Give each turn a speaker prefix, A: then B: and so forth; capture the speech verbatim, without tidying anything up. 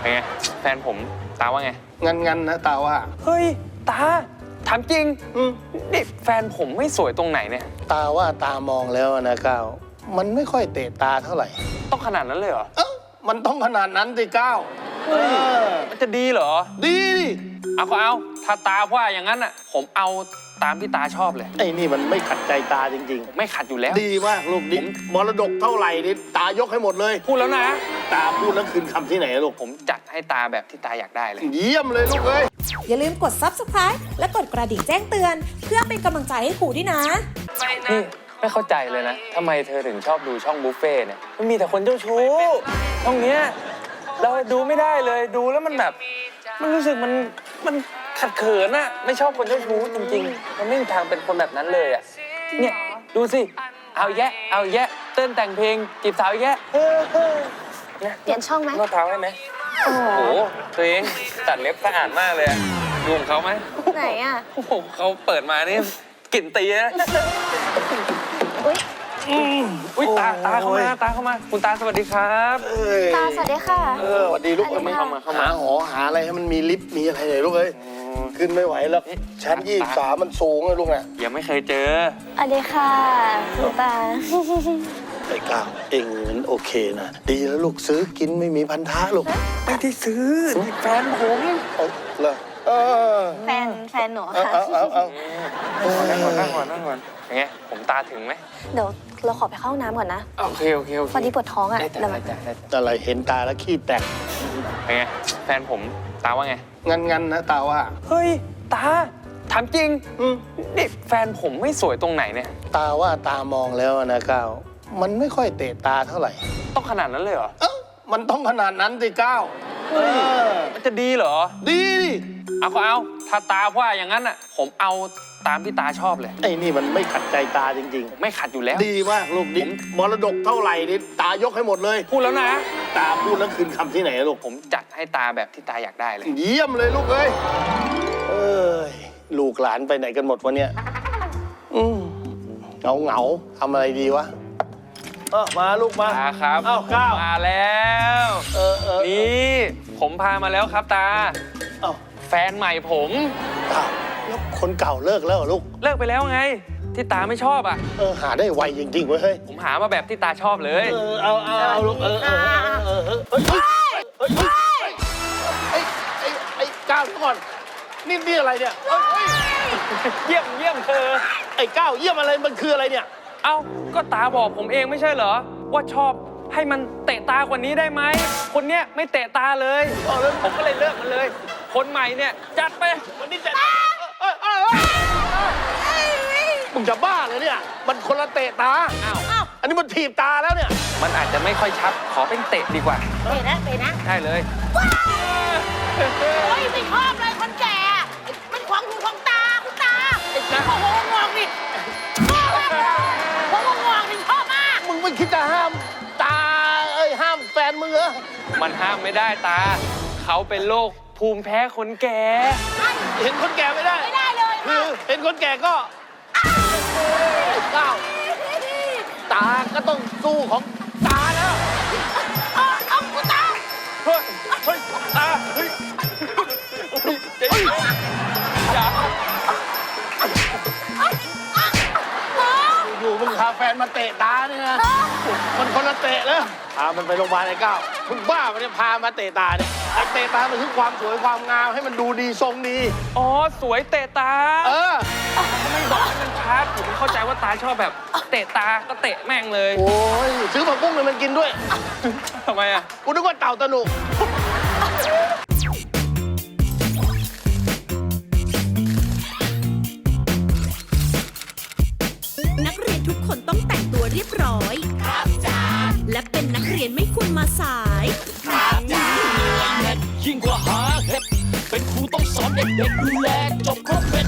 A: เป็นไงแฟนผมตาว่าไง
B: งันงันนะตาว่า
A: เฮ้ยตาถามจริง
B: อืม
A: นี่แฟนผมไม่สวยตรงไหนเนี่ย
B: ตาว่าตามองแล้วนะก้าวมันไม่ค่อยเตะตาเท่าไหร่
A: ต้องขนาดนั้นเลยเหรอ
B: เอ้ามันต้องขนาดนั้นสิก้าวเออ
A: มันจะดีเหรอ
B: ดีดิ
A: เอาก็เอาถ้าตาว่าอย่างนั้นอ่ะผมเอาตามที่ตาชอบเลย
B: ไอ้นี่มันไม่ขัดใจตาจริง
A: ๆไม่ขัดอยู่แล้ว
B: ดีมากลูกดิมรดกเท่าไหร่นี่ตายกให้หมดเลย
A: พูดแล้วนะ
B: ตาพูดแล้วคืนคำที่ไหนลูก
A: ผมจัดให้ตาแบบที่ตาอยากได้เลย
B: เยี่ยมเลยลูกเอ้ย
C: อย่าลืมกด ซับสไครบ์ และกดกระดิ่งแจ้งเตือนเพื่อเป็นกำลังใจให้ครูด้วยนะ
A: นี่ไม่เข้าใจเลยนะทำไมเธอถึงชอบดูช่องบุฟเฟ่เนี่ยมันมีแต่คนเจ้าชู้ช่องเนี้ยเราดูไม่ได้เลยดูแล้วมันแบบมันรู้สึกมันมันขัดเขินอะไม่ชอบคนเจ้าชู้จริงๆมันไม่มีทางเป็นคนแบบนั้นเลยอะเนี่ยดูสิเอาแยะเอาแยะเต้นแต่งเพลงจีบสาวแยะเ
D: ปลี่ยนช่องไหม
A: นวดเท้าได้ไหมโอ้โหตัวเองตัดเล็บสะอาดมากเลยดูของเขาไหม
D: ไหนอะ
A: โอ้โหเขาเปิดมานี่กลิ่นตีนะ
D: อุ้ย
A: อุ้ยตาตาเข้ามาตาเข้ามาคุณตาสวัสดีครับ
D: ตาสวัสดีค่ะ
B: เออสวัสดีลูก
A: ไม่เข้ามาเข้ามา
B: หาหอหาอะไรให้มันมีลิฟต์มีอะไรเลยลูกเอ้ยขึ้นไม่ไหวแล้วชั้นยี่สิบสามมันสูงเลยลูกน่ะ
A: ยังไม่เคยเจอ
D: สวัสดีค่ะคุณตา
B: ไอ้ก้าวเองมันโอเคนะดีแล้วลูกซื้อกินไม่มีพันธะลูก
A: ไม่ได้ซื้อแฟนผม
B: เอาเลยเออ
D: แฟนแฟนหนูค่ะ
B: เอาเอาเอา
A: นั่งก่อนนั่งก่อนนั่งก่อนยังไงผมตาถึงไหม
D: เดี๋ยวเราขอไปเข้าห้องน้ำก่อนนะ
A: โอเคโอเคโอเค
D: พอดีปวดท้องอ่ะ
A: ได้ได้ได้
B: อะไรเห็นตาแล้วขี้แตก
A: เป็นไงแฟนผมตาว่าไง
B: งันงันนะตาว่า
A: เฮ้ยตาถามจริง
B: อืม
A: นี่แฟนผมไม่สวยตรงไหนเนี่ย
B: ตาว่าตามองแล้วนะก้าวมันไม่ค่อยเตะตาเท่าไหร่
A: ต้องขนาดนั้นเลยเหรอ
B: เอ้ามันต้องขนาดนั้นสิก้าวเออ
A: มันจะดีเหรอ
B: ดีดิ
A: เอาก็เอาถ้าตาว่าอย่างนั้นอ่ะผมเอาตามที่ตาชอบเลย
B: ไอ้นี่มันไม่ขัดใจตาจริง
A: ๆไม่ขัดอยู่แล้ว
B: ดีมากลูกดิมรดกเท่าไหร่นี่ตายกให้หมดเลย
A: พูดแล้วนะ
B: ตาพูดแล้วคืนคำที่ไหนลูก
A: ผมจัดให้ตาแบบที่ตาอยากได้เลย
B: เยี่ยมเลยลูกเอ้ยเอ้ยลูกหลานไปไหนกันหมดวะเนี่ยอืมเหงาเหงาทำอะไรดีวะเออมาลูกมา
A: ตาครับ
B: อ้าวก้าว
A: มาแล้ว
B: เออเออ
A: นี่ผมพามาแล้วครับตา
B: อ้าว
A: แฟนใหม่ผม
B: อ้าวแล้วคนเก่าเลิกแล้วเหรอลูก
A: เลิกไปแล้วไงที่ตาไม่ชอบอ่ะ
B: เออหาได้ไวจริงๆเว้ยเฮ้ย
A: ผมหามาแบบที่ตาชอบเลย
B: เออเอาเอาเอาลูกเออเออเออเออเฮ้ยเฮ้ยเฮ้ยไอ้ไอ้ไอ้ก้าวก่อนนี่นี่อะไรเนี่ย
A: เยี่ยมเยี่ยมเธอ
B: ไอ้ก้าวเยี่ยมอะไรมันคืออะไรเนี่ย
A: เอ้าก็ตาบอกผมเองไม่ใช่เหรอว่าชอบให้มันเตะตากว่านี้ได้ไหมคนเนี้ยไม่เตะตาเลยผมก็เลยเลิกมันเลยคนใหม่เนี่ยจัดไป
B: วันนี้จัดมึงจะบ้าเลยเนี่ยมันคนละเตะตา
A: อ้าว
B: อันนี้มันถีบตาแล้วเนี่ย
A: มันอาจจะไม่ค่อยชัดขอเป็นเตะดีกว่า
D: เตะนะเตะนะ
A: ได้เลย
D: โอ้ยไม่ชอบเลยคนแก่มันขวางหูขวางตาคุณตาไอ้หัวงงงนี่ชอบมากหัวงงงนี่ชอบมาก
B: มึงไม่คิดจะห้ามตาเอ้ยห้ามแฟนมึงเหรอ
A: มันห้ามไม่ได้ตาเขาเป็นโรคภูมิแพ้คนแก่
B: เห็นคนแก่ไม่ได้
D: ไม่ได้เลย
B: คือเห็นคนแก่ก็ก้าวตาก็ต้องสู้ของตาแล้ว
D: เอาเอาคุณตา
A: เฮ้ยเฮ้ยตาเฮ้ยอย่า
B: อยู่มึงพาแฟนมาเตะตาเนี่ยนะมันคนละเตะแล้วพามันไปโรงพยาบาลไอ้ก้าวมึงบ้ามันเนี่ยพามาเตะตาเนี่ยไอ้เตะตามันคือความสวยความงามให้มันดูดีทรงดี
A: อ๋อสวยเตะตา
B: เออ
A: ไม่บอกให้มันชัดผมเข้าใจว่าตาชอบแบบเตะตาก็เตะแม่งเลย
B: โอ้ยซื้อผักบุ้งเลยมันกินด้วย
A: ทำไมอ่ะ
B: กูนึกว่าเต่าตะหนุ
C: นักเรียนทุกคนต้องแต่งตัวเรียบร้อยครับจ้าและเป็นนักเรียนไม่ควรมาสายครับจ้า
E: ยิ่งกว่าหาเห็ดเป็นครูต้องสอนเด็กๆดูแลจบครบเม็ด